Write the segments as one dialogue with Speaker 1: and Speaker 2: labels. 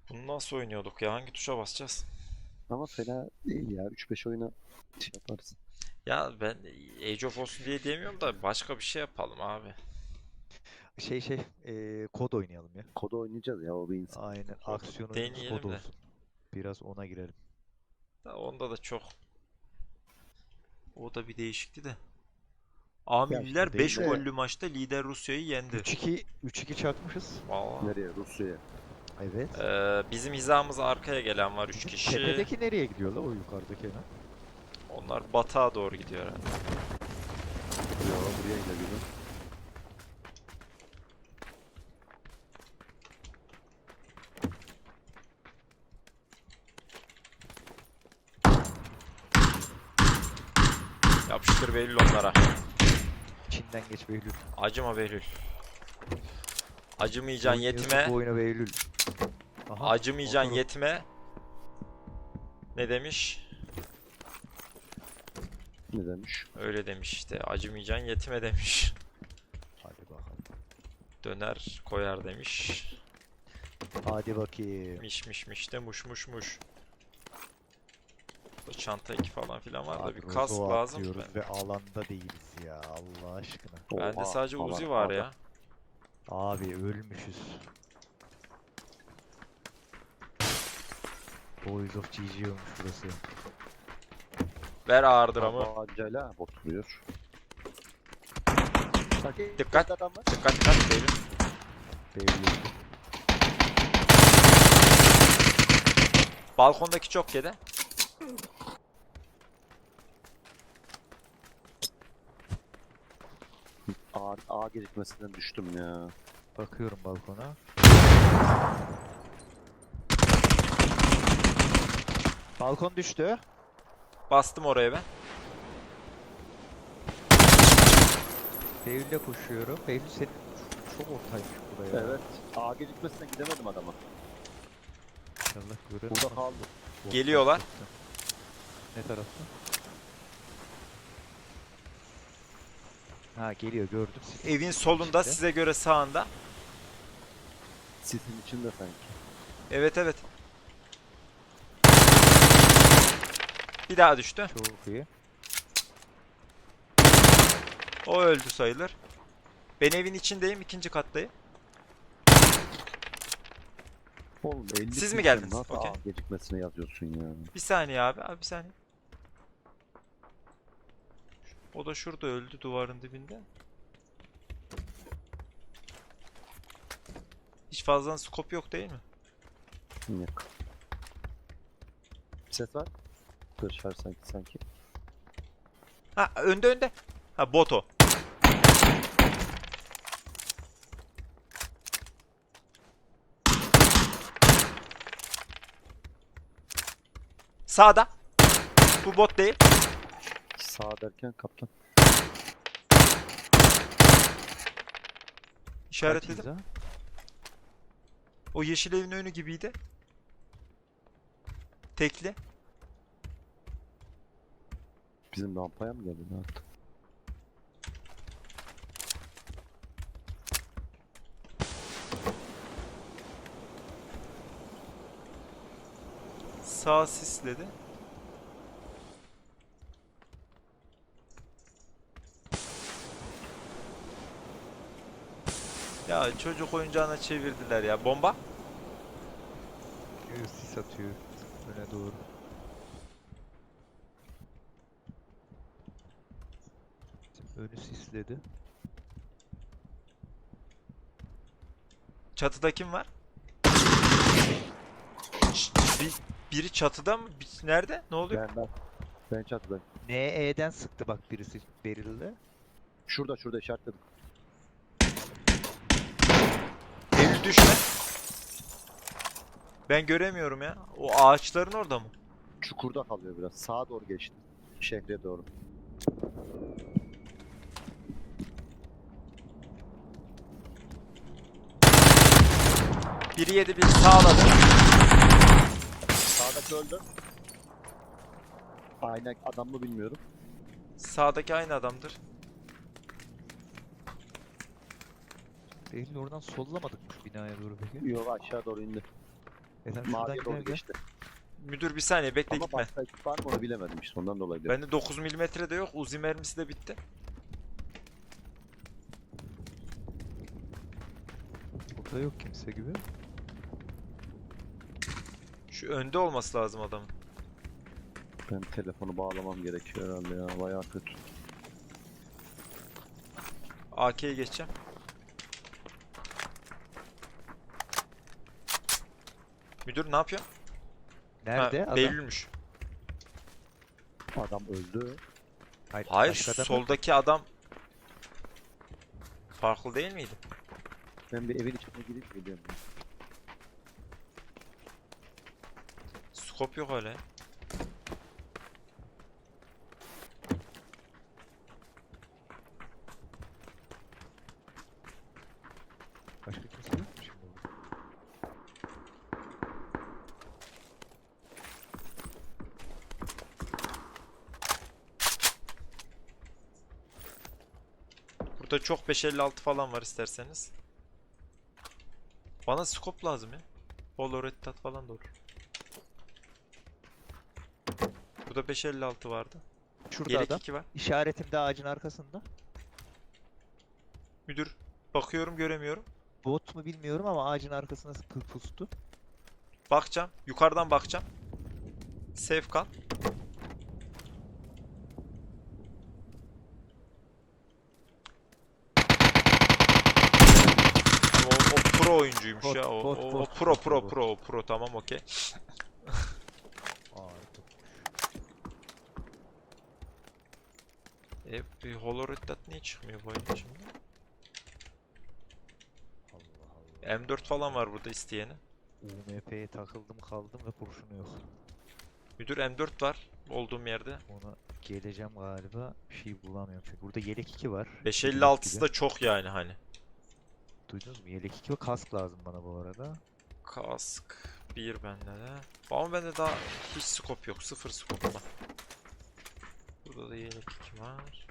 Speaker 1: Bunu nasıl oynuyorduk ya? Hangi tuşa basacağız?
Speaker 2: Ama fena değil ya. 3-5 oyuna şey yaparız.
Speaker 1: Ya ben Age of olsun diye diyemiyorum da başka bir şey yapalım abi.
Speaker 3: Kod oynayalım ya.
Speaker 2: Kodu oynayacağız ya, o bir insan.
Speaker 3: Aynen,
Speaker 1: Kodu
Speaker 3: aksiyon oyunumuz kod
Speaker 1: deneyelim de.
Speaker 3: olsun. Biraz ona girelim.
Speaker 1: Onda da çok. O da bir değişikti de.
Speaker 3: Ya
Speaker 1: Amilliler
Speaker 3: değil
Speaker 1: 5
Speaker 3: de
Speaker 1: gollü maçta lider Rusya'yı yendi.
Speaker 3: 3-2 çakmışız.
Speaker 1: Vallahi.
Speaker 2: Nereye? Rusya'ya.
Speaker 3: Evet.
Speaker 1: Bizim hizamıza arkaya gelen var 3
Speaker 3: Bizim
Speaker 1: kişi.
Speaker 3: tepedeki nereye gidiyor la, o yukarıdaki ne?
Speaker 1: Onlar batağa doğru gidiyor herhalde.
Speaker 2: Ya buraya geliyor.
Speaker 1: Yapıştır Behlül onlara.
Speaker 3: İçinden geç Behlül.
Speaker 1: Acıma Behlül. Acımayacaksın
Speaker 3: Oynuyorsun
Speaker 1: yetime.
Speaker 3: bu oyunu Behlül. Aha,
Speaker 1: Acımayacaksın
Speaker 3: motoru.
Speaker 1: yetime. Ne demiş?
Speaker 2: Ne demiş?
Speaker 1: Öyle demiş işte. Acımayacaksın yetime demiş.
Speaker 3: Hadi bakalım.
Speaker 1: Döner koyar demiş.
Speaker 3: Hadi bakayım.
Speaker 1: Miş de muş. Bu çanta eki falan filan var da
Speaker 3: Abi
Speaker 1: bir kask
Speaker 3: Rozo'u
Speaker 1: lazım.
Speaker 3: atlıyoruz ve alanda değiliz ya, Allah aşkına.
Speaker 1: Bende
Speaker 2: Oha,
Speaker 1: sadece
Speaker 2: falan,
Speaker 1: Uzi var
Speaker 2: adam.
Speaker 1: ya.
Speaker 3: Abi ölmüşüz. Boys of GG olmuş burası.
Speaker 1: Ver ağır dramı.
Speaker 2: Tabancayla bot vuruyor.
Speaker 1: Dikkat.
Speaker 2: Adam var.
Speaker 1: Dikkat Behlül.
Speaker 3: Behlül.
Speaker 1: Balkondaki çok yedi.
Speaker 2: A gecikmesinden düştüm ya.
Speaker 3: Bakıyorum balkona. Balkon düştü.
Speaker 1: Bastım oraya ben.
Speaker 3: Behlül'e koşuyorum. Behlül senin çok ortaymış buraya.
Speaker 2: Evet. A gecikmesinden gidemedim adama.
Speaker 3: İnşallah görürüm.
Speaker 2: Burada kaldı.
Speaker 1: Geliyorlar.
Speaker 3: Ne tarafta? Ha, geliyor, gördüm.
Speaker 1: Evin solunda
Speaker 3: İşte.
Speaker 1: size göre sağında.
Speaker 2: Sisin içinde sanki.
Speaker 1: Evet. Bir daha düştü.
Speaker 3: Çok iyi.
Speaker 1: O öldü sayılır. Ben evin içindeyim, ikinci kattayım.
Speaker 2: Oğlum 50
Speaker 1: Siz mi
Speaker 2: kişi,
Speaker 1: geldiniz?
Speaker 2: nasıl
Speaker 1: Okey.
Speaker 2: A gecikmesine yazıyorsun ya?
Speaker 1: Bir saniye abi bir saniye. O da şurada öldü duvarın dibinde. Hiç fazla skop yok değil mi?
Speaker 2: Yok. Ses var. Dışarı sanki.
Speaker 1: Ha önde. Ha boto. Sağda. Bu bot değil.
Speaker 2: Sağ derken kaptan.
Speaker 1: İşaretledim.
Speaker 3: Kaçız ha?
Speaker 1: O yeşil evin önü gibiydi. Tekli.
Speaker 2: Bizim rampaya mı geldi? Ne yaptı?
Speaker 1: Sağ sisledi. Ya çocuk oyuncağına çevirdiler ya. Bomba.
Speaker 3: Sis atıyor öne doğru. Önü sisledi.
Speaker 1: Çatıda kim var? Biri çatıda mı? Nerede? Ne oluyor?
Speaker 2: Ben çatıdayım.
Speaker 3: NE'den sıktı bak birisi Beril'de.
Speaker 2: Şurada işaretledim.
Speaker 1: Eylül düşme. Ben göremiyorum ya. O ağaçların orada mı?
Speaker 2: Çukurda kalıyor biraz. Sağa doğru geçti. Şehre doğru.
Speaker 1: Biri yedi, biri sağladı.
Speaker 2: Sağdaki öldü. Aynı adam mı bilmiyorum.
Speaker 1: Sağdaki aynı adamdır.
Speaker 3: Beril oradan sollamadık mı şu binaya doğru peki?
Speaker 2: Yok, aşağı doğru indi.
Speaker 3: Sen şuradan
Speaker 2: Maviye doğru
Speaker 3: gel gel.
Speaker 2: geçti.
Speaker 1: Müdür bir saniye bekle
Speaker 2: Ama
Speaker 1: gitme.
Speaker 2: başka ekip var mı onu bilemedim işte ondan dolayı dedim.
Speaker 1: Bende 9 milimetre de yok. Uzi mermisi de bitti.
Speaker 3: Burada yok kimse gibi.
Speaker 1: Şu önde olması lazım adamın.
Speaker 2: Ben telefonu bağlamam gerekiyor herhalde ya. Bayağı kötü.
Speaker 1: AK'ye geçeceğim. Müdür ne yapıyor?
Speaker 3: Nerede
Speaker 1: Ha,
Speaker 3: adam?
Speaker 1: Beylülmüş.
Speaker 2: Adam öldü.
Speaker 1: Hayır,
Speaker 3: başka adam yok.
Speaker 1: soldaki adam farklı değil miydi?
Speaker 2: Ben bir evin içine girip geliyorum.
Speaker 1: Skop yok öyle.
Speaker 3: Başka kimse yok mu şimdi burada?
Speaker 1: Burada çok 556 falan var isterseniz. Bana skop lazım ya. Valorettat falan da olur. Burada 556 vardı.
Speaker 3: Şurada
Speaker 1: Yelek
Speaker 3: adam.
Speaker 1: 2 var.
Speaker 3: İşaretimde ağacın arkasında.
Speaker 1: Müdür bakıyorum göremiyorum.
Speaker 3: Bot mu bilmiyorum ama ağacın arkasına pustu.
Speaker 1: Bakacağım. Yukarıdan bakacağım. Safe kal. O pro oyuncuymuş
Speaker 3: Bot,
Speaker 1: ya. O,
Speaker 3: bot,
Speaker 1: o, o
Speaker 3: bot,
Speaker 1: pro
Speaker 3: bot,
Speaker 1: pro
Speaker 3: bot.
Speaker 1: pro o pro tamam okey. Bir Holorettat niye çıkmıyor bu oyun şimdi?
Speaker 3: Allah Allah.
Speaker 1: M4 falan var burada isteyeni.
Speaker 3: UMP'ye takıldım kaldım ve kurşunu yok.
Speaker 1: Müdür M4 var olduğum yerde.
Speaker 3: Ona geleceğim galiba. Bir şey bulamıyorum çünkü. Burada yelek 2 var.
Speaker 1: 556'sı da çok yani hani.
Speaker 3: Duydunuz mu? Yelek 2 ve kask lazım bana bu arada.
Speaker 1: Kask 1 bende de. Ama bende daha hiç scope yok. Sıfır scope var. Burada da yelek 2 var.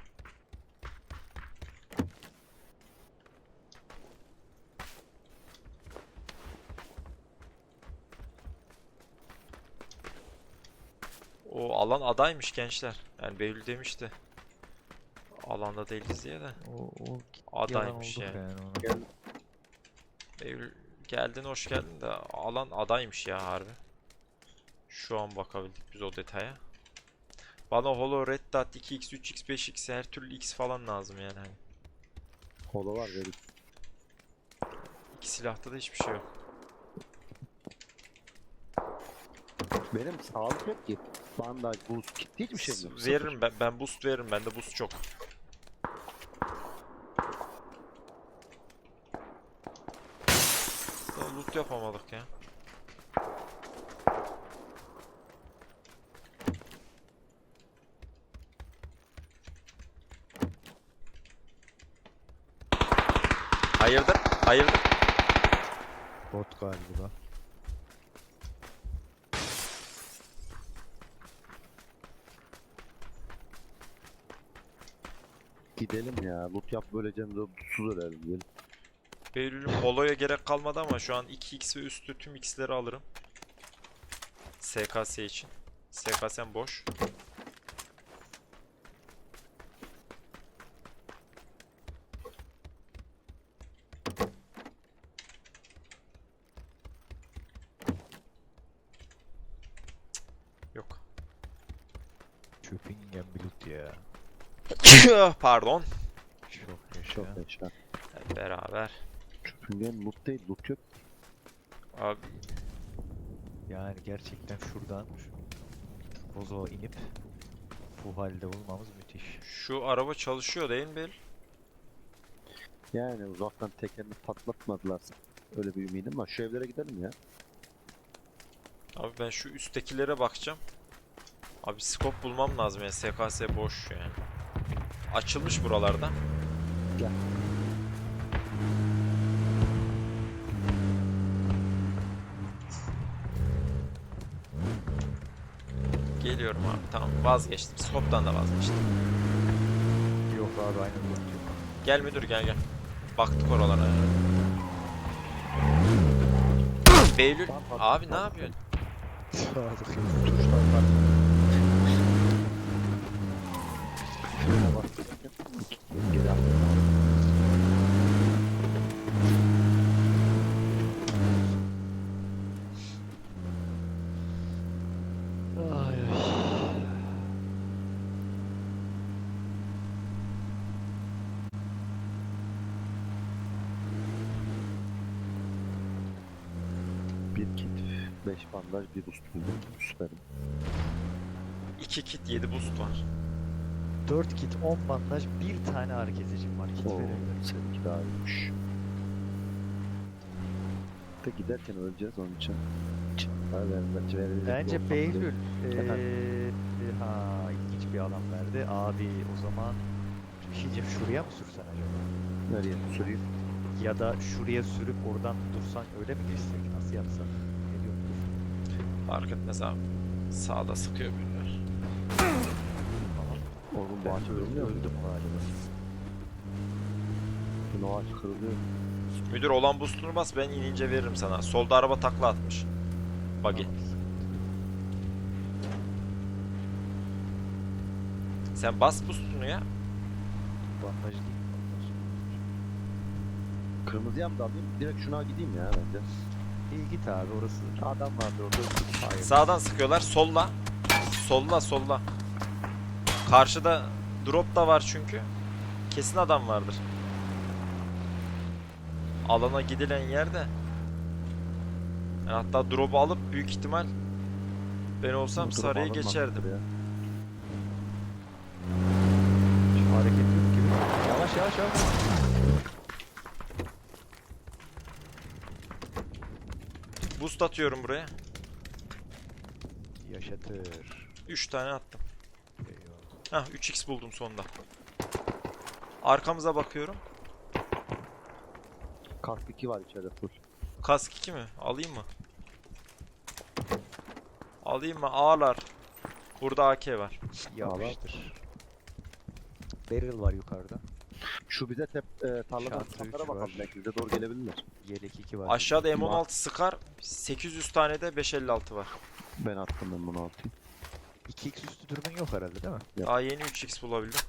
Speaker 1: O alan adaymış gençler. Yani Behlül demişti. Alanda değiliz diye de.
Speaker 3: O
Speaker 1: Adaymış
Speaker 3: yalan oldu
Speaker 1: yani.
Speaker 3: ona.
Speaker 2: Gel.
Speaker 1: Behlül geldin hoş geldin de alan adaymış ya harbi. Şu an bakabildik biz o detaya. Bana Holo, Red Dot, 2x, 3x, 5x her türlü x falan lazım yani hani.
Speaker 2: Holo var dedik.
Speaker 1: İki silahta da hiçbir şey yok.
Speaker 2: Benim sağlık yok ki. Bandaj, buz, kit hiçbir şey yok.
Speaker 1: Veririm ben boost veririm bende boost çok. Daha loot yapamadık ya. Hayırdır? Hayırdır?
Speaker 3: Bot galiba.
Speaker 2: Gidelim ya. Loot yap böylece mutsuz ölelim. Gelin.
Speaker 1: Beylül'ün Holo'ya gerek kalmadı ama şu an 2x ve üstü tüm x'leri alırım. SKS için. SKS'm boş. Yok.
Speaker 3: Çöpingen bir loot ya.
Speaker 1: Pardon.
Speaker 3: Çok yaşa.
Speaker 2: Çok yaşa.
Speaker 1: Hep beraber.
Speaker 2: Çöpüngen loot değil. Loot yok.
Speaker 1: Abi
Speaker 3: Yani gerçekten şuradan Bozoğa inip bu halde olmamız müthiş.
Speaker 1: şu araba çalışıyor değil mi Bel?
Speaker 2: Yani uzaktan tekerini patlatmadılar. Öyle bir ümidim var. Şu evlere gidelim ya.
Speaker 1: Abi ben şu üsttekilere bakacağım. Abi scope bulmam lazım yani SKS boş yani. Açılmış buralarda.
Speaker 2: Gel.
Speaker 1: Geliyorum abi tamam vazgeçtim. Scope'dan da vazgeçtim.
Speaker 3: Yok abi aynı loot yok.
Speaker 1: Gel müdür gel gel. Baktık oralara. Beylül
Speaker 2: Bak, bak,
Speaker 1: abi ne
Speaker 2: bak.
Speaker 1: yapıyorsun?
Speaker 2: Tuşlar var. Frene bastırırken geri atlıyorum.
Speaker 3: Ay ay.
Speaker 2: Bir kit, 5 bandaj, bir boost buldum. Süperim.
Speaker 1: 2 kit 7 boost var.
Speaker 3: 4 kit, 10 bandaj, bir tane ağrı kesicim var. Kit
Speaker 2: Oo,
Speaker 3: verebilirim.
Speaker 2: seninki daha iyiymiş. De giderken öleceğiz onun için.
Speaker 3: Bence Behlül ha ilginç bir alan verdi. Abi o zaman bir şey diyeceğim, şuraya mı sürsen acaba?
Speaker 2: Nereye süreyim?
Speaker 3: Ya da şuraya sürüp oradan dursan öyle mi geçsek? Nasıl yapsak? Ne diyorsun?
Speaker 1: Fark etmez abi. Sağda sıkıyor birileri.
Speaker 2: Oğlum bu
Speaker 3: Ben
Speaker 2: ağaç kırılmıyor mu?
Speaker 3: öldüm galiba.
Speaker 2: Bu ağaç kırılıyor.
Speaker 1: Müdür olan boostunu bas, ben inince veririm sana. Solda araba takla atmış. Buggy.
Speaker 3: Tamam.
Speaker 1: Sen bas boostunu ya.
Speaker 3: Bandaj değil mi? Bandaj.
Speaker 2: Kırmızıya mı da alayım? Direkt şuna gideyim ya bence.
Speaker 3: İyi git abi orası.
Speaker 2: Adam vardı orada.
Speaker 3: Hayır.
Speaker 1: Sağdan sıkıyorlar. Solla. Solla solla. Karşıda drop da var çünkü. Kesin adam vardır. Alana gidilen yerde. Yani hatta drop'u alıp büyük ihtimal ben olsam
Speaker 2: Durup
Speaker 1: sarıya
Speaker 2: alınmamıştır
Speaker 1: geçerdim.
Speaker 2: ya.
Speaker 3: Şu hareket yok gibi. Yavaş yavaş yavaş.
Speaker 1: Boost atıyorum buraya.
Speaker 3: Yaşatır.
Speaker 1: 3 tane attım.
Speaker 3: Eyvallah.
Speaker 1: Hah 3x buldum sonunda. Arkamıza bakıyorum.
Speaker 2: Kask 2 var içeride full.
Speaker 1: Kask 2 mi? Alayım mı? Alayım mı? Ağlar. Burada AK var.
Speaker 3: Yapıştır. Barrel var yukarıda.
Speaker 2: Şu bize tarladan
Speaker 3: Şantı
Speaker 2: sıkanlara
Speaker 3: üç
Speaker 2: bakalım.
Speaker 3: var.
Speaker 2: Belki bize doğru gelebilirler.
Speaker 3: Yelek 2 var.
Speaker 1: Aşağıda M16 sıkar. 800 tane de 556 var.
Speaker 2: Ben attım ben bunu atayım.
Speaker 3: 2x üstü durumun yok herhalde değil mi?
Speaker 1: Daha yeni 3x bulabildim.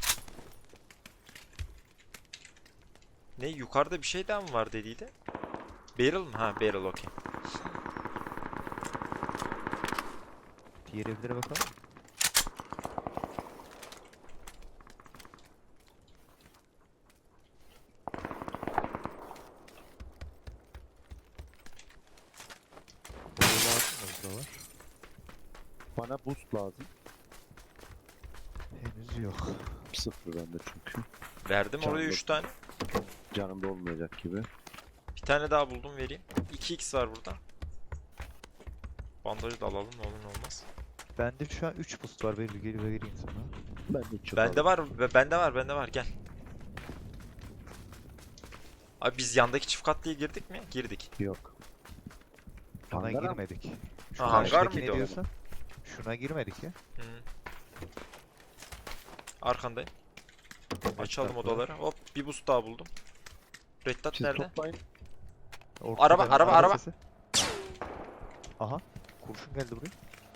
Speaker 1: Ne yukarıda bir şey daha mı var dediydi? Barrel mı? Ha barrel okey.
Speaker 3: Diğer evlere bakalım. Orada var mı?
Speaker 2: Bana boost lazım.
Speaker 3: Henüz yok.
Speaker 2: 0 bende çünkü.
Speaker 1: Verdim oraya
Speaker 2: Canlı.
Speaker 1: 3 tane.
Speaker 2: Canımda olmayacak gibi.
Speaker 1: Bir tane daha buldum vereyim. 2x var burada. Bandajı da alalım ne olur ne olmaz.
Speaker 3: Bende şu an 3 boost var. Bir geri vereyim sana.
Speaker 2: Ben de hiç yok
Speaker 1: Bende
Speaker 2: abi.
Speaker 1: var, bende var gel. Abi biz yandaki çift katlıya girdik mi? Girdik.
Speaker 2: Yok.
Speaker 3: Şuna
Speaker 2: Hangara mı?
Speaker 3: girmedik. Şu
Speaker 1: Ha, hangar
Speaker 3: karşıdaki
Speaker 1: mıydı
Speaker 3: ne
Speaker 1: o?
Speaker 3: diyorsun? Şuna girmedik ya.
Speaker 1: Hı. Arkandayım. Açalım
Speaker 3: tarafı var?
Speaker 1: odaları. Hop bir boost daha buldum. Reddat
Speaker 2: Siz
Speaker 1: nerede?
Speaker 2: toplayın.
Speaker 3: Ortada
Speaker 1: Araba,
Speaker 3: hemen
Speaker 1: araba, araba.
Speaker 3: sesi. Aha. Kurşun geldi buraya.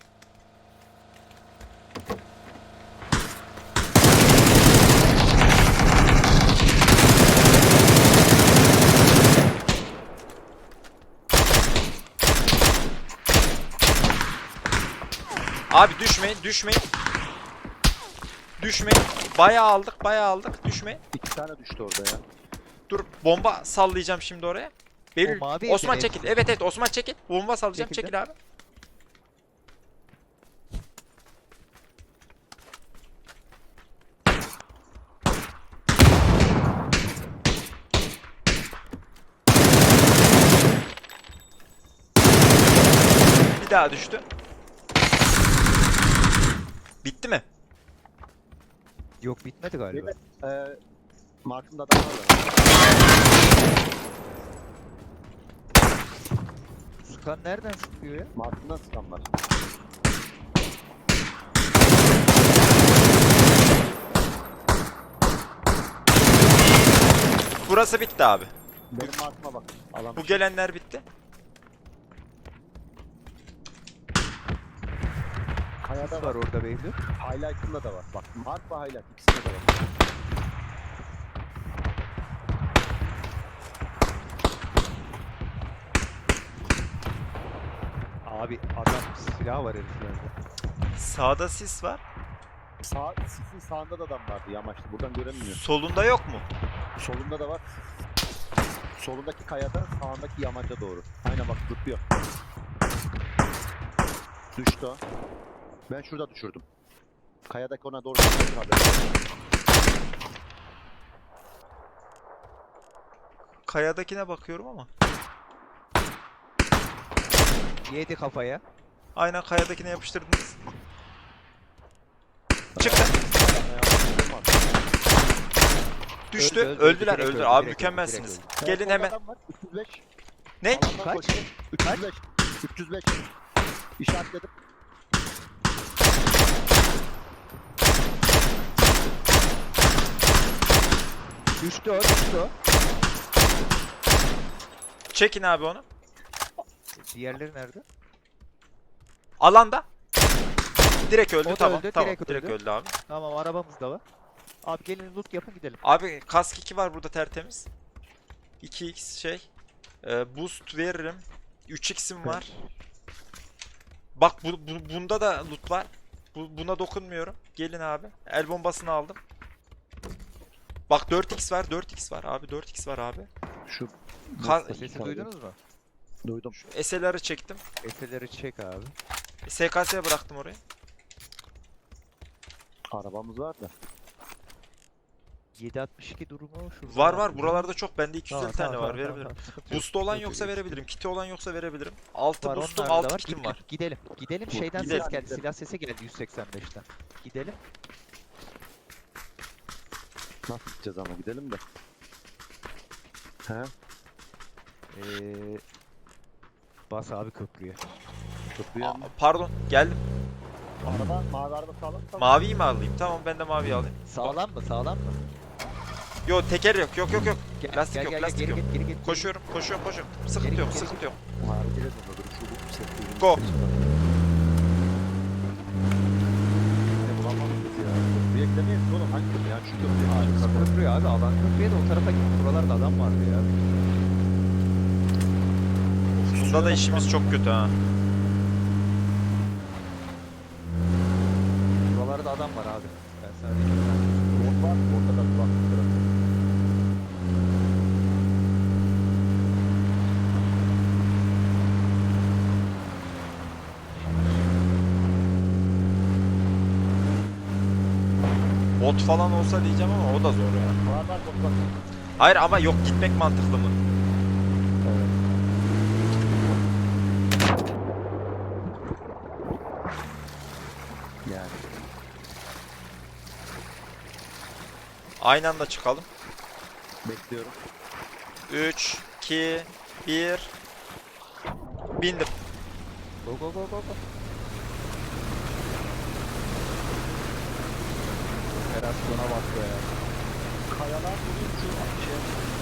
Speaker 1: Abi düşmeyin, düşmeyin. Düşmeyin. Bayağı aldık. Düşmeyin.
Speaker 2: 2 tane düştü orada ya.
Speaker 1: Dur bomba sallayacağım şimdi oraya. Beril,
Speaker 3: O mavi
Speaker 1: Osman
Speaker 3: evde
Speaker 1: çekil.
Speaker 3: hepsi.
Speaker 1: Evet Osman çekil. Bomba sallayacağım.
Speaker 3: Çekildim.
Speaker 1: Çekil abi. Bir daha düştü. Bitti mi?
Speaker 3: Yok bitmedi galiba.
Speaker 2: Markımda adam var.
Speaker 3: Sıkan nereden sıkıyor ya?
Speaker 2: Markımda sıkan var.
Speaker 1: Burası bitti abi.
Speaker 2: Benim markıma bak. Alan
Speaker 1: Bu gelenler bitti.
Speaker 2: Kayada
Speaker 3: Sis
Speaker 2: var.
Speaker 3: var orada Behlül.
Speaker 2: Highlight'ında da var. Bak mark ve highlight ikisinde de var.
Speaker 3: Abi adam silah var heriflerde.
Speaker 1: Sağda sis var.
Speaker 2: Sisin sağında da adam vardı yamaçta. Buradan göremiyor.
Speaker 1: Solunda yok mu?
Speaker 2: Solunda da var. Solundaki kayada, sağındaki yamaca doğru. Aynen bak zıplıyor. Düştü o. Ben şurada düşürdüm. Kayadaki ona doğru düşürdüm haber.
Speaker 1: Kayadakine bakıyorum ama.
Speaker 3: Yedi kafaya.
Speaker 1: Aynen kayadakine yapıştırdınız. Çıktı. Düştü.
Speaker 3: Öldü, öldü,
Speaker 1: Öldüler,
Speaker 3: direkt
Speaker 1: öldüler.
Speaker 3: öldü,
Speaker 1: Abi
Speaker 3: direkt
Speaker 1: mükemmelsiniz.
Speaker 3: öldü,
Speaker 2: Solda
Speaker 1: Gelin hemen.
Speaker 2: adam var, 305.
Speaker 1: Ne?
Speaker 2: Alandan
Speaker 3: Kaç?
Speaker 2: koşuyor. 305. 305. İşaretledim.
Speaker 3: Düştü o, düştü o.
Speaker 1: Çekin abi onu.
Speaker 3: Diğerleri nerede?
Speaker 1: Alanda. Direkt öldü,
Speaker 3: O da
Speaker 1: tamam.
Speaker 3: öldü,
Speaker 1: Tamam.
Speaker 3: direkt
Speaker 1: Direkt
Speaker 3: öldü.
Speaker 1: öldü abi.
Speaker 3: Tamam arabamız da var. Abi gelin loot yapın gidelim.
Speaker 1: Abi kask 2 var burada tertemiz. 2x şey. Boost veririm. 3x'im var. Bak bunda da loot var. Buna dokunmuyorum. Gelin abi. El bombasını aldım. Bak 4x var, 4x var abi, 4x var abi.
Speaker 2: Şu
Speaker 3: Sesi duydunuz mu?
Speaker 2: duydum.
Speaker 1: SLR'ı çektim.
Speaker 3: Efeleri çek abi.
Speaker 1: SKS'ye bıraktım orayı.
Speaker 2: Arabamız var da.
Speaker 3: 762 durumu şurada.
Speaker 1: Var var, buralarda çok. Bende 250
Speaker 3: Tamam,
Speaker 1: tane
Speaker 3: tamam,
Speaker 1: var,
Speaker 3: tamam,
Speaker 1: verebilirim.
Speaker 3: tamam, sıkıntı yok,
Speaker 1: Boost'u olan
Speaker 3: sıkıntı
Speaker 1: yoksa
Speaker 3: yok.
Speaker 1: verebilirim. Kiti olan yoksa verebilirim. 6
Speaker 3: Var,
Speaker 1: boost'um,
Speaker 3: onlarda
Speaker 1: 6
Speaker 3: var.
Speaker 1: kitim
Speaker 3: Git,
Speaker 1: var.
Speaker 3: git, gidelim. Gidelim şeyden
Speaker 1: Gidelim.
Speaker 3: ses geldi.
Speaker 2: Gidelim.
Speaker 3: Silah sesi geldi 185'ten. Gidelim.
Speaker 2: Nasıl gideceğiz ama gidelim de. He?
Speaker 3: Bas abi köprüye.
Speaker 2: Köprüye mi?
Speaker 1: Pardon, geldim.
Speaker 2: Araba, mavi araba sağlam.
Speaker 1: Maviyi mi alayım? Tamam, ben de maviyi alayım.
Speaker 3: Sağlam mı? Sağlam mı?
Speaker 1: Yo, teker yok, yok yok yok.
Speaker 3: Gel,
Speaker 1: Lastik
Speaker 3: gel,
Speaker 1: yok,
Speaker 3: gel,
Speaker 1: lastik
Speaker 3: geri
Speaker 1: yok.
Speaker 3: git, geri git.
Speaker 1: Koşuyorum, koşuyorum, koşuyorum. Sıkıntı
Speaker 3: Geri
Speaker 1: yok,
Speaker 3: git, geri
Speaker 1: sıkıntı yok.
Speaker 2: Hareket etmiyordur. Şu set
Speaker 1: Go.
Speaker 2: Ne bulamadık biz ya. Köprüye gidemeyiz oğlum. Hangi köprü? Yani şu köprü.
Speaker 3: Harika köprüye abi. Alan köprüye de o tarafa git. Buralarda adam vardı ya.
Speaker 1: Bunda da işimiz çok kötü ha.
Speaker 3: Buralarda adam var abi. Ben sana diyeyim.
Speaker 2: Bot var. Ortada bir bak.
Speaker 1: Bot falan olsa diyeceğim ama o da zor ya.
Speaker 2: Var bot var.
Speaker 1: Hayır ama yok, gitmek mantıklı mı?
Speaker 2: Evet. Yani.
Speaker 1: Aynı anda çıkalım.
Speaker 2: Bekliyorum.
Speaker 1: 3, 2, 1. Bindim.
Speaker 3: Go go go go go. Operasyona bak be.
Speaker 2: Kayalar duruyor şu şey.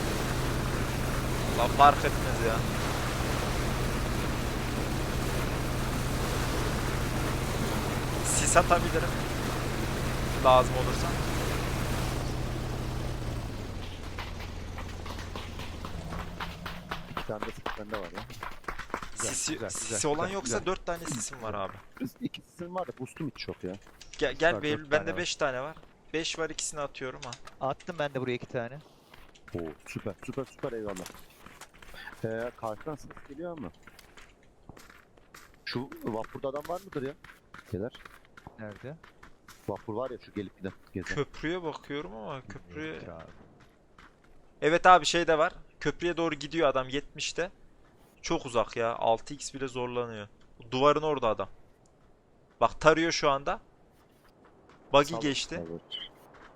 Speaker 1: Allah fark etmez ya. Sis atabilirim. Lazım olursa.
Speaker 2: İki tane de sık bende var ya.
Speaker 3: Güzel,
Speaker 1: Sisi,
Speaker 3: güzel,
Speaker 1: sisi
Speaker 3: güzel,
Speaker 1: olan
Speaker 3: güzel,
Speaker 1: yoksa
Speaker 3: güzel.
Speaker 1: 4 tane sisim var abi.
Speaker 2: İki sisim var da boostum hiç yok ya.
Speaker 1: Gel
Speaker 3: Süper,
Speaker 1: Behlül,
Speaker 3: dört
Speaker 1: bende
Speaker 3: tane
Speaker 1: 5 tane var. 5 var, ikisini atıyorum ha.
Speaker 3: Attım ben de buraya 2 tane.
Speaker 2: Oo süper süper süper eyvallah. Karşıdan ses geliyor ama. Şu vapurda adam var mıdır ya? Gelir.
Speaker 3: Nerede?
Speaker 2: Vapur var ya şu gelip giden. Gezen.
Speaker 1: Köprüye bakıyorum ama köprüye...
Speaker 3: Yok abi.
Speaker 1: Evet abi, şey de var. Köprüye doğru gidiyor adam 70'te. Çok uzak ya. 6x bile zorlanıyor. Duvarın orada adam. Bak tarıyor şu anda. Buggy
Speaker 2: Sağ-
Speaker 1: geçti.
Speaker 2: Evet.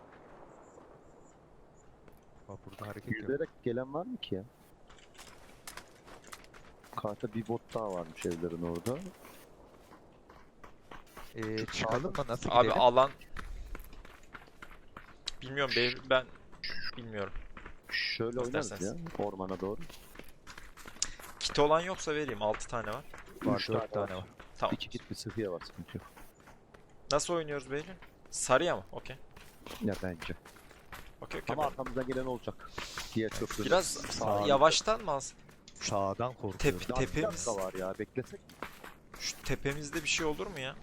Speaker 3: Bak burada hareket yok.
Speaker 2: Yüzerek gelen var mı ki ya? Karta bir bot daha varmış evlerin orada.
Speaker 3: Çıkalım mı? Nasıl
Speaker 1: Abi
Speaker 3: gidelim?
Speaker 1: alan... Bilmiyorum ben bilmiyorum.
Speaker 2: Şöyle oynarız ya
Speaker 1: İsterseniz.
Speaker 2: ormana doğru.
Speaker 1: Kit olan yoksa vereyim. 6 tane var.
Speaker 3: Var
Speaker 2: Üç
Speaker 3: 4
Speaker 2: tane
Speaker 3: tane var.
Speaker 1: Tamam.
Speaker 2: İki kit bir sıhhiye var sıkıntı yok.
Speaker 1: Nasıl oynuyoruz Beylül? Sarıya mı? Okey.
Speaker 2: Ya bence.
Speaker 1: Okey okey.
Speaker 2: Ama arkamızdan gelen olacak. Diğer köprü.
Speaker 1: Biraz
Speaker 2: Sağ-
Speaker 1: yavaştan mı alsın?
Speaker 3: Sağdan korkuyorum.
Speaker 2: Daha bir
Speaker 1: Tepemiz.
Speaker 2: dakika var ya, beklesek.
Speaker 1: Şu tepemizde bir şey olur mu ya?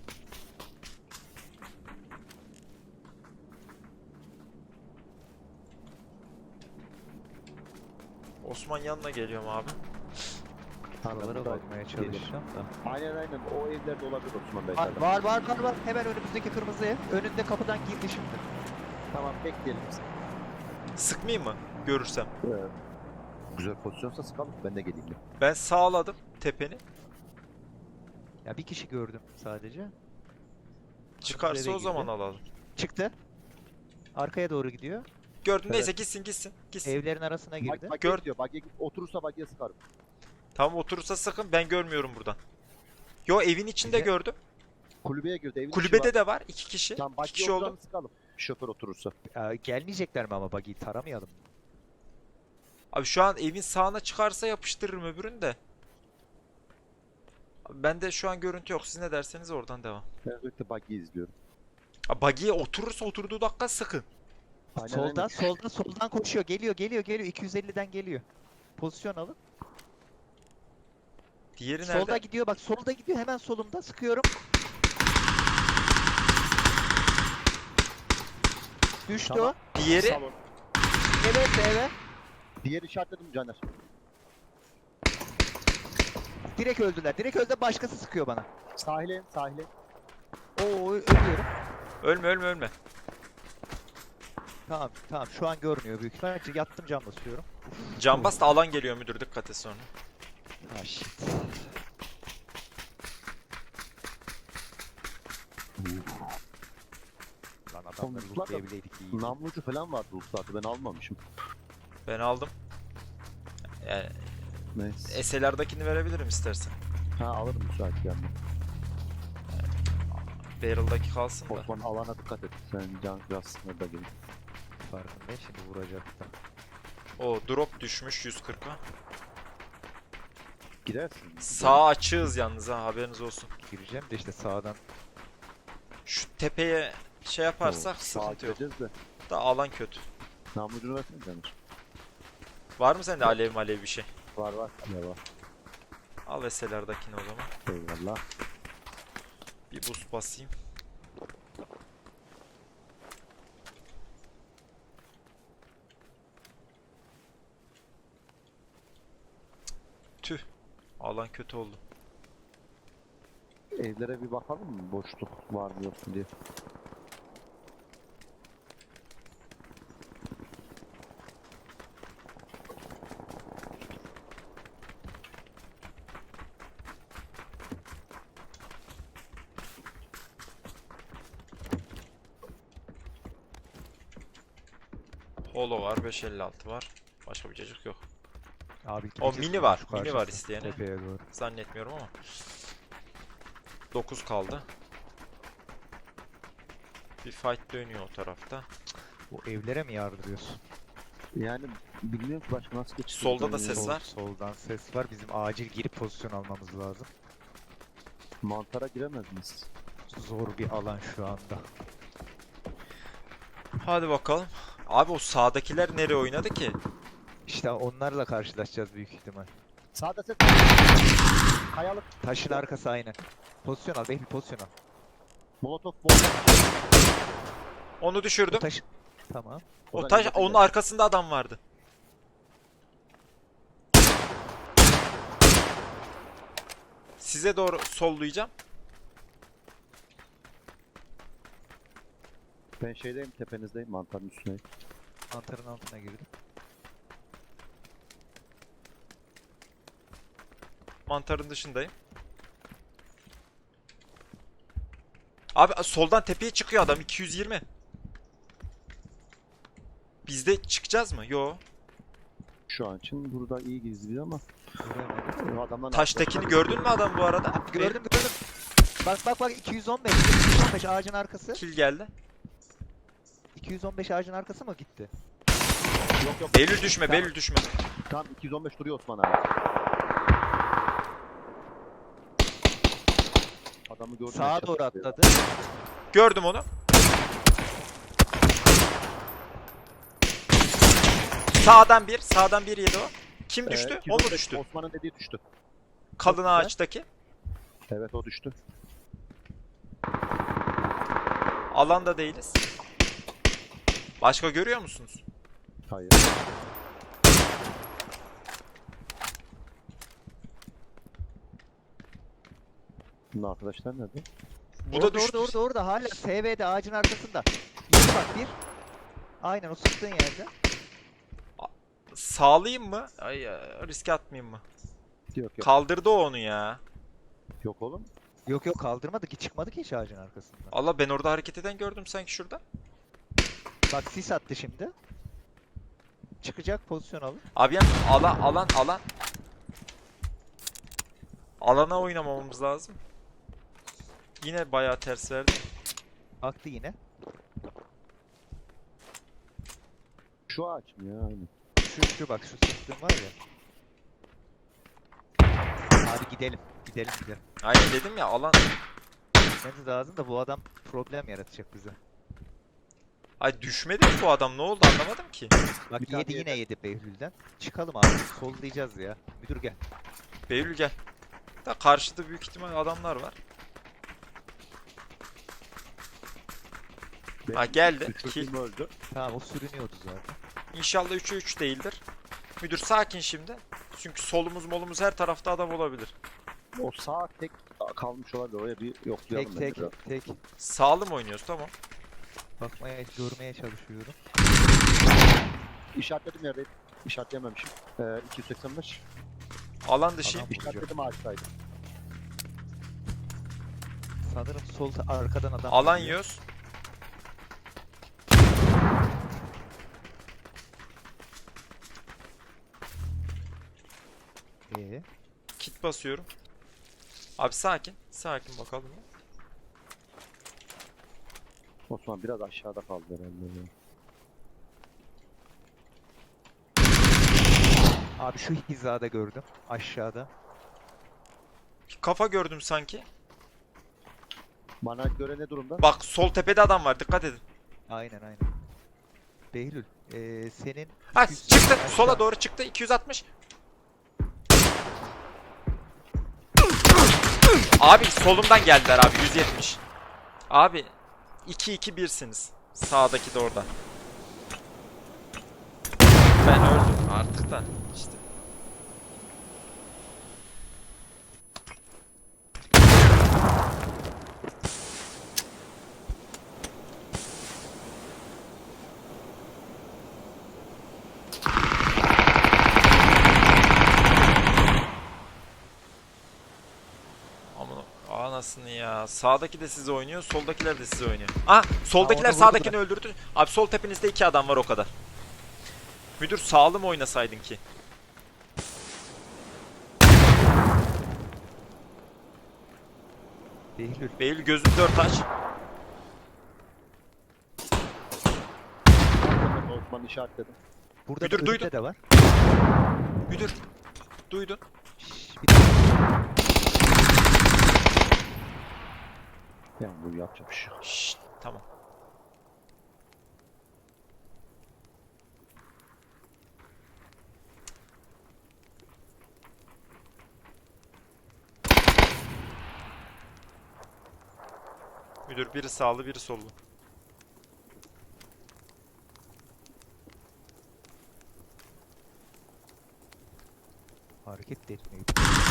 Speaker 1: Osman yanına geliyorum abi.
Speaker 3: Buralara bakmaya çalışacağım da.
Speaker 2: Aynen o evlerde olabilir Osman Bey.
Speaker 3: Var. Hemen önümüzdeki kırmızı ev. Önünde kapıdan girdi şimdi.
Speaker 2: Tamam, bekleyelim.
Speaker 1: Sıkmayayım mı? Görürsem.
Speaker 2: Güzel pozisyonsa sıkalım, ben de geleyim.
Speaker 1: Ben sağladım tepeni.
Speaker 3: Ya bir kişi gördüm sadece.
Speaker 1: Çıkarsa
Speaker 3: eve
Speaker 1: o zaman
Speaker 3: girdi.
Speaker 1: alalım.
Speaker 3: Çıktı. Arkaya doğru gidiyor.
Speaker 1: Gördün
Speaker 2: Evet.
Speaker 1: neyse gitsin.
Speaker 3: Evlerin arasına girdi.
Speaker 2: Bak
Speaker 1: Gör-
Speaker 2: diyor, oturursa bagiye sıkarım.
Speaker 1: Tamam oturursa sakın ben görmüyorum buradan. Yo evin içinde
Speaker 3: Bize-
Speaker 1: gördüm.
Speaker 2: Kulübeye girdi, evin içi
Speaker 1: Kulübede
Speaker 2: var.
Speaker 1: de var 2 kişi.
Speaker 2: Tamam,
Speaker 1: 2
Speaker 2: bagiye
Speaker 1: kişi oldu.
Speaker 2: oturanı sıkalım. Şoför oturursa.
Speaker 3: Gelmeyecekler mi ama buggy'i taramayalım.
Speaker 1: Abi şu an evin sağına çıkarsa yapıştırırım öbürünü de. Abi bende şu an görüntü yok. Siz ne derseniz oradan devam.
Speaker 2: Ben özellikle bagiyi izliyorum.
Speaker 1: Abi buggy'ye oturursa oturduğu dakika sıkın.
Speaker 3: Soldan koşuyor. Geliyor. 250'den geliyor. Pozisyon alın.
Speaker 1: Diğeri
Speaker 3: Solda
Speaker 1: nerede?
Speaker 3: gidiyor bak. Solda gidiyor. Hemen solumda. Sıkıyorum. Düştü
Speaker 2: Tamam.
Speaker 3: o.
Speaker 1: Diğeri
Speaker 2: Salon.
Speaker 3: Evet.
Speaker 2: Diğer işaretledim Caner.
Speaker 3: Direkt öldüler. Başkası sıkıyor bana.
Speaker 2: Sahile.
Speaker 3: Oo ölüyorum.
Speaker 1: ölme.
Speaker 3: Tamam. Şu an görmüyor büyük ihtimalle. Yattım, cam basıyorum.
Speaker 1: Cambaz da alan geliyor müdür, dikkat et sonra.
Speaker 3: Ha shit. Lan adamları
Speaker 2: Komutlar da-
Speaker 3: lootlayabileydik iyi.
Speaker 2: Namlucu falan vardı uluslarda, ben almamışım.
Speaker 1: Ben aldım. Yani
Speaker 2: Neyse.
Speaker 1: SLR'dakini verebilirim istersen.
Speaker 2: Alırım müsait yani.
Speaker 1: Barrel'daki kalsın da.
Speaker 2: Osman, alana dikkat et. Sen can biraz sınırda gelin.
Speaker 3: Farkındayım, şimdi vuracaktım.
Speaker 1: O drop düşmüş 140'a.
Speaker 2: Girersin.
Speaker 1: Sağ açığız yalnız ha, haberiniz olsun.
Speaker 3: Gireceğim de işte sağdan.
Speaker 1: Şu tepeye şey yaparsak
Speaker 2: Sağa
Speaker 1: sıkıntı yok.
Speaker 2: gireceğiz de.
Speaker 1: Da alan kötü.
Speaker 2: Namlucunu versene Caner.
Speaker 1: Var mı sende alev bir şey?
Speaker 2: Var. Ya var.
Speaker 1: Al SLR'dakini o zaman.
Speaker 2: Eyvallah.
Speaker 1: Bir boost basayım. Tüh. Alan kötü oldu.
Speaker 2: Evlere bir bakalım mı? Boşluk var mı yok mu diye.
Speaker 1: Holo var, 556 var. Başka bir cacık yok.
Speaker 3: Abi
Speaker 1: O
Speaker 3: gideceğiz
Speaker 1: mini var,
Speaker 3: şu
Speaker 1: mini var
Speaker 3: karşısı,
Speaker 1: isteyene.
Speaker 3: Tepeye doğru.
Speaker 1: Zannetmiyorum ama. 9 kaldı. Bir fight dönüyor o tarafta.
Speaker 3: Bu evlere mi yardırıyorsun?
Speaker 2: Yani bilmiyorum ki başka nasıl geçecek.
Speaker 1: Solda da ses var.
Speaker 3: Soldan ses var. Bizim acil girip pozisyon almamız lazım.
Speaker 2: Mantara giremez miyiz?
Speaker 3: Zor bir alan şu anda.
Speaker 1: Hadi bakalım. Abi o sağdakiler nereye oynadı ki?
Speaker 3: İşte onlarla karşılaşacağız büyük ihtimal.
Speaker 2: Sağda ses. Kayalık.
Speaker 3: Taşın arkası aynı. Pozisyon al, Behlül pozisyon al.
Speaker 2: Molotov bomba.
Speaker 1: Onu
Speaker 3: O
Speaker 1: düşürdüm.
Speaker 3: taş... Tamam.
Speaker 1: O taş, onun arkasında adam vardı. Size doğru sollayacağım.
Speaker 2: Ben şeydeyim, tepenizdeyim, mantarın üstündeyim.
Speaker 3: Mantarın altına girdim.
Speaker 1: Mantarın dışındayım. Abi soldan tepeye çıkıyor adam 220. Biz de çıkacağız mı? Yo.
Speaker 2: Şu an için burada iyi gizli ama
Speaker 3: Göremedim.
Speaker 2: adamlar
Speaker 1: Taştakini gördün mü adam bu arada?
Speaker 3: Gördüm. Bak 215 ağacın arkası.
Speaker 1: Kill geldi.
Speaker 3: 215 ağacın arkası mı gitti?
Speaker 2: Yok.
Speaker 1: Beylül düşme,
Speaker 2: Tamam.
Speaker 1: Beylül düşme.
Speaker 2: Tam 215 duruyor Osman abi. adamı gördüm.
Speaker 3: Sağa
Speaker 2: headshot
Speaker 3: doğru
Speaker 2: atıyor.
Speaker 3: atladı.
Speaker 1: Gördüm onu. Sağdan bir yedi o. Kim düştü? O mu
Speaker 2: 205
Speaker 1: düştü?
Speaker 2: Osman'ın dediği düştü.
Speaker 1: Kalın
Speaker 2: güzel.
Speaker 1: ağaçtaki.
Speaker 2: Evet o düştü.
Speaker 1: Alanda değiliz. Başka görüyor musunuz?
Speaker 2: Hayır. Bunun arkadaşlar nerede?
Speaker 1: Bu da düştü.
Speaker 3: Orada hala SV'de ağacın arkasında. İyi bak bir. Aynen o sıktığın yerde.
Speaker 1: Sağlayayım mı? Ay, riske atmayayım mı?
Speaker 2: Yok yok.
Speaker 1: Kaldırdı o onu ya.
Speaker 2: Yok oğlum.
Speaker 3: Yok yok kaldırmadı ki çıkmadı ki hiç ağacın arkasından.
Speaker 1: Allah, ben orada hareket eden gördüm sanki şurada.
Speaker 3: Bak sis attı şimdi. Çıkacak pozisyon alın.
Speaker 1: Abi yani alan. Alana oynamamamız lazım. Yine bayağı ters verdi.
Speaker 3: Baktı yine.
Speaker 2: Şu ağaç mı ya? Aynen.
Speaker 3: Şu bak şu sıktığım var ya. Abi gidelim. Gidelim.
Speaker 1: Aynen dedim ya, alan.
Speaker 3: Gitmemiz lazım da bu adam problem yaratacak bize.
Speaker 1: Ay düşmedi mi bu adam, ne oldu anlamadım ki.
Speaker 3: Bak
Speaker 2: Bir tane
Speaker 3: yedi yine
Speaker 2: yedi.
Speaker 3: yedi Behlül'den. Çıkalım abi. Sollayacağız ya. Müdür gel.
Speaker 1: Beylül gel. Da karşıda büyük ihtimal adamlar var. Ha, geldi.
Speaker 2: Üçlü
Speaker 1: Kill.
Speaker 2: film öldü.
Speaker 3: Tamam o sürünüyordu zaten.
Speaker 1: İnşallah 3'e 3 değildir. Müdür sakin şimdi. Çünkü solumuz her tarafta adam olabilir.
Speaker 2: O sağ tek kalmış olabilir. Oraya bir yoklayalım.
Speaker 3: Tek
Speaker 2: bence
Speaker 3: tek
Speaker 2: biraz.
Speaker 3: tek.
Speaker 1: Sağlı mı oynuyoruz, tamam.
Speaker 3: Bakmaya görmeye çalışıyorum.
Speaker 2: İşaretledim yerde. İşaretleyememişim. 285.
Speaker 1: Alan dışı.
Speaker 3: Adam-
Speaker 2: İşaretledim ağaçtaydı.
Speaker 3: Sanırım sol arkadan adam.
Speaker 1: Alan
Speaker 3: geliyor.
Speaker 1: yiyoruz. Kit basıyorum. Abi sakin. Sakin bakalım.
Speaker 2: Osman biraz aşağıda kaldı herhalde. ya.
Speaker 3: Abi şu hizada gördüm. Aşağıda.
Speaker 1: Bir kafa gördüm sanki.
Speaker 2: Bana göre ne durumda?
Speaker 1: Bak sol tepede adam var, dikkat edin.
Speaker 3: Aynen. Behlül. Senin
Speaker 1: Ha
Speaker 3: 200
Speaker 1: çıktı.
Speaker 3: aşağı-
Speaker 1: Sola doğru çıktı. 260. Abi solumdan geldiler abi, 170. Abi 2-2-1'siniz. Sağdaki de orada. Ben öldüm artık da işte. Aman anasını ya. Sağdaki de sizi oynuyor, soldakiler de sizi oynuyor. Ah, soldakiler
Speaker 3: orada vurdu
Speaker 1: sağdakini öldürdü. Abi sol tepenizde 2 adam var, o kadar. Müdür sağlı mı oynasaydın ki?
Speaker 3: Behlül.
Speaker 1: Beylül gözünü 4 aç.
Speaker 2: Osman işaretledim.
Speaker 3: Burada
Speaker 1: Müdür,
Speaker 3: da
Speaker 1: duydum.
Speaker 3: önünde de var.
Speaker 1: Müdür duydun.
Speaker 3: Bir dakika.
Speaker 2: Yani bu yapacak bir şey yok.
Speaker 1: Şşt, tamam. Müdür biri sağlı biri sollu.
Speaker 3: Hareket de etmiyor.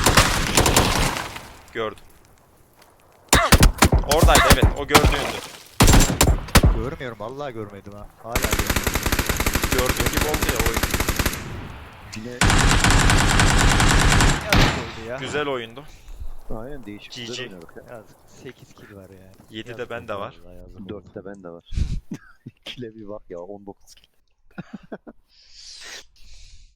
Speaker 1: Gördüm. Oradaydı, evet, o gördüğündü.
Speaker 3: Görmüyorum vallahi görmedim ha. Hala görmüyorum.
Speaker 1: Gördüğün gibi oldu ya oyun.
Speaker 2: Yine
Speaker 3: Yazık oldu ya.
Speaker 1: Güzel oyundu.
Speaker 2: aynen değişik.
Speaker 1: GG.
Speaker 2: Güzel oynadık ya.
Speaker 3: Yazık. 8 kill var yani.
Speaker 1: 7 de
Speaker 3: Yazık
Speaker 1: bende
Speaker 3: oldu
Speaker 1: var.
Speaker 3: vallahi, yazık oldu.
Speaker 2: 4'te ben de var. Kile bir bak ya 19 kill.